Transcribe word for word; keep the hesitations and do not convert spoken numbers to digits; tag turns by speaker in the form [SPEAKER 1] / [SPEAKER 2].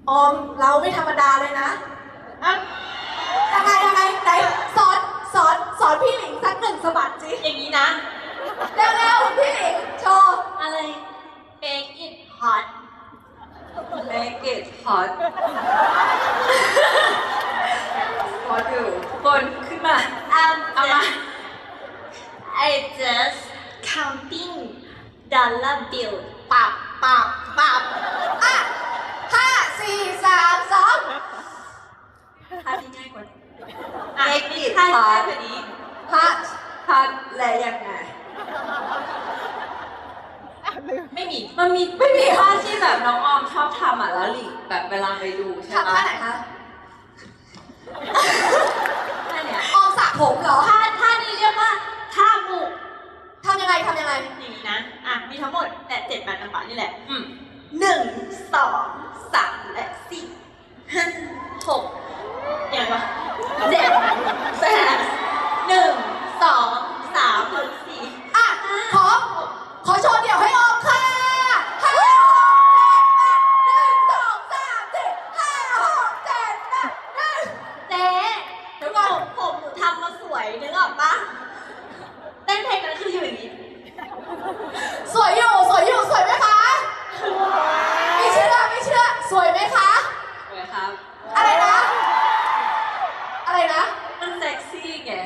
[SPEAKER 1] ออมเราไม่ธรรมดาเลยนะอ่ะยังไงยังไงไหนสอนสอนสอนพี่หลิงสักหนึ่งสะบัดสิ
[SPEAKER 2] อย่างนี้นะ
[SPEAKER 1] เร็วๆพี่หลิงโชว์
[SPEAKER 2] อะไร make it hot
[SPEAKER 3] make it hot พออยู่ทุกคนขึ้นมา
[SPEAKER 2] I'm
[SPEAKER 3] เอามา
[SPEAKER 2] just I just counting dollar bill
[SPEAKER 1] ปับปับปับอ่ะห้าสี่สามสอง
[SPEAKER 3] ท่าที่ง่ายกว่า
[SPEAKER 2] อ่ะ
[SPEAKER 3] make it
[SPEAKER 2] ท่า
[SPEAKER 3] hot
[SPEAKER 2] แบบนี้
[SPEAKER 1] ฮัท
[SPEAKER 3] hot และยังไง
[SPEAKER 2] ไม่มี
[SPEAKER 3] มันมีไม่มีท่าที่แบบน้องออมชอบทำอ่ะแล้วหลิงแบบเวลาไปดูใช่
[SPEAKER 1] ทำ
[SPEAKER 3] ไหม
[SPEAKER 1] ท่าไหนคะ
[SPEAKER 2] ท่าเนี้ย
[SPEAKER 1] ออมสระผมเหรอ
[SPEAKER 2] ท่าท่านี้เรียกว่าท่าบุก
[SPEAKER 1] ทำยังไงทำยังไง
[SPEAKER 2] อย่างนี้นะ อ่ะ มีทั้งหมดแต่เจ็ดแปดจังหวะนี่แหละ
[SPEAKER 3] อืม
[SPEAKER 2] หนึ่งสองสามและสี่ห้าหกอย่างไรเจ็ดแปดหนึ่งสองสามสี่
[SPEAKER 1] อ่ะขอขอโชว์เดี่ยวให้ออมค่ะห้าหกเจ็ดแปดหนึ่งสองสามสี่ห้าหกเจ็ดแปดหนึ่ง
[SPEAKER 2] เจ๊เดี๋ยวก่อนผมหนูทำมาสวยนึกออกปะเต้นเพลงนั้นคืออยู่อย่างนี้
[SPEAKER 1] สวยอยู่สวยอยู่สวยไหมคะไม่เชื่อไม่เชื่อสวยไหมคะ
[SPEAKER 3] สวยครับ
[SPEAKER 1] อะไรนะ อะไรนะ
[SPEAKER 3] มันเซ็กซี่ไง